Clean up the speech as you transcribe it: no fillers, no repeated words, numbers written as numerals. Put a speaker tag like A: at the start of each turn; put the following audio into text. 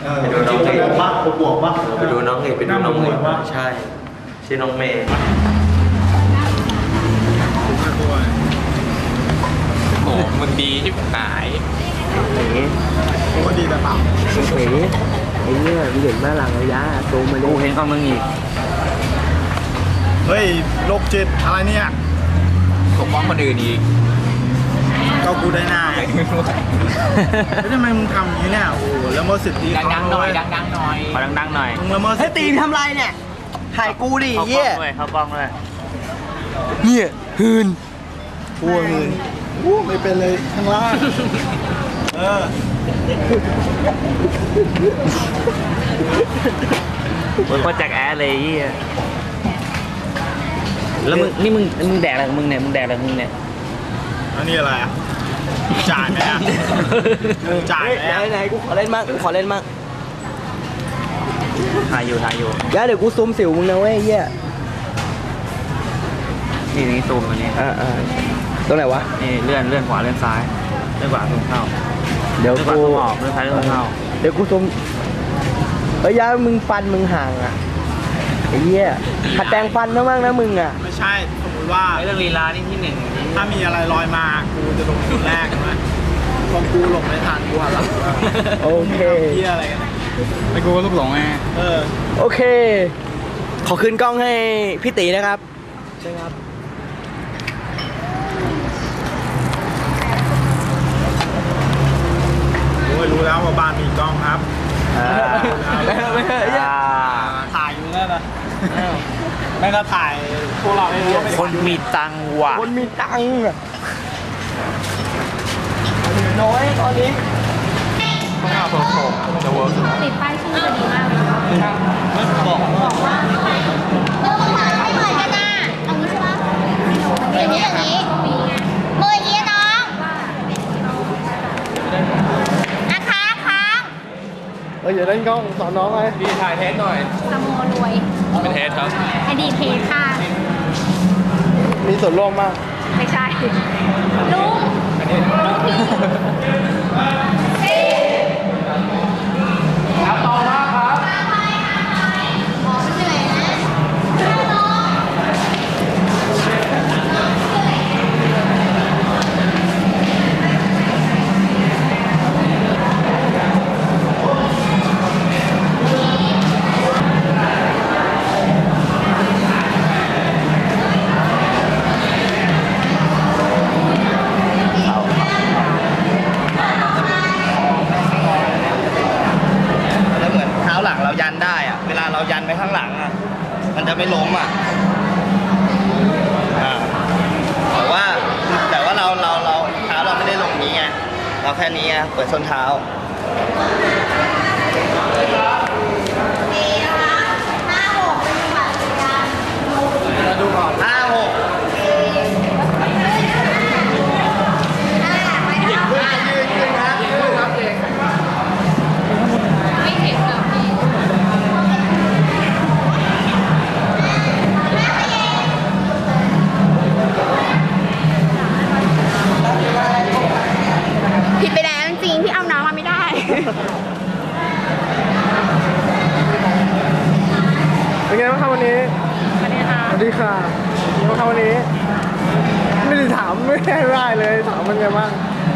A: ไปดูน้องเอก
B: บ้าบวกบ้า
A: ไปดูน้องเอกไปดูน้องเอกใช่ชื่อน้องเมย์
C: โอ้มึงดีที่หาย
B: ก็ดีแต่เปล่า
D: เฮ้ยไอ้เนี่ยมึงเห็นมาหลังระยะซูมมาดิ
C: กูเห็นกับมึงอีก
B: เฮ้ยโรคจิตอะไรเนี่ย
C: ปกป้องคนอื่นอีก
B: ก็กูได้หน้าแล้วทำไมมึงทำอย่างนี้เนี่ยโอ้โหแล้วเมื่อสิทธิ
C: ดังๆหน่อยดังๆหน่อยขอดังๆหน่อย
B: มึงละเมิด
D: เฮ้ยตีนทำไรเนี่ยถ่ายกูดิ
C: เข้ากล้
D: เยี่
C: อย งด้วยเข้ากล้องด้วย
D: เนี่ยหืน
B: กูหืนกูไม่เป็นเลยข้างล่างเออ
C: มึงก็แจ็คแอร์เลยยี่แล้วมึงนี่มึงแดกอะไรของมึงเนี่ยมึงแดกอะไรของมึงเนี่ย
B: อันนี้อะไรอ่ะจ่ายไหมอ่ะจ่ายไหมอ่ะ
D: ไหนกูขอเล่นมั่งกูขอเล่นมั่ง
C: ถ่ายอยู่
D: แล้วเดี๋ยวกูซูมสิวมึงนะเว้ยเยี่ย
C: นี่ซูมตัวนี้
D: ตรงไหนวะ
C: นี่เลื่อนขวาเลื่อนซ้ายเลื่อนขวาซูมเข้า
D: เดี๋ยว
C: เลื่อนขวา
D: กู
C: ซูมออกเลื่อนซ้ายเลื่อนเข้า
D: เดี๋ยวกูซูมเฮ้ยยามึงฟันมึงห่างอ่ะไอ้เหี้ยขัดแต่งฟันบ้างนะมึงอ่ะ
B: ไม่ใช่สมมติว่า
C: เรื่องลีลานี่ที่หนึ่ง
B: ถ้ามีอะไรลอยมากูจะลงคนแรกใช่ไหมพอกูหลงไม่ทันกูหันหลัง
D: โอเค
B: เฮียอะไรกัน
C: ไอ้กูก็ลูกหลงไง
B: เออ
D: โอเค ขอคืนกล้องให้พี่ตีนะครับใช่ครับ
B: โอ้ยรู้แล้วว่าบ้านมีกล้องครับ ถ่ายอยู่นั่นนะไม่ก็ถ่ายพวกเราไม่รู้ว่า
C: คนมีตังค์ว่ะ
D: คนมีตังค์อะน้อยตอนนี้
E: ติดป้ายชื่อจะดีมากเลย
B: บอก
E: บอกว่าไม่เหมือนกันนะเอางี้ใช่ปะอย่างนี้มืออย่างนี้น้องนะคะค้าง
D: อย่าเล่นกล้องสอนน้องเลย
C: พี่ถ่ายเทสหน่อย
E: สโมรวย
C: เป็นเทสครับ
E: อดีตเทค่ะ
D: มีส่วนร่วมมาก
E: ไม่ใช่ลุงพี่
C: ครับต่อมาครับ
E: หมอเหนื่อยนะน้อง
D: แล้วเหมือนเท้าหลังเรายันได้อะเวลาเรายันไปข้างหลังอะมันจะไม่ล้มอะแต่ว่าเราเท้าเราไม่ได้ลงนี้ไงเราแค่นี้ไงเปิดส้นเท้า
B: ดูก่อน
D: 5 6
E: ไม่เห็นหรอกพี่ผิดไปแล้วจริงๆที่เอาน้องมาไม่ได้
D: เป็นไงบ้างครับวันนี้
E: สวัสดีค่ะ
D: สวัสดีค่ะเป็นไงบ้างครับวันนี้ ไม่ได้ถามไม่ได้เลยถามมันไงบ้าง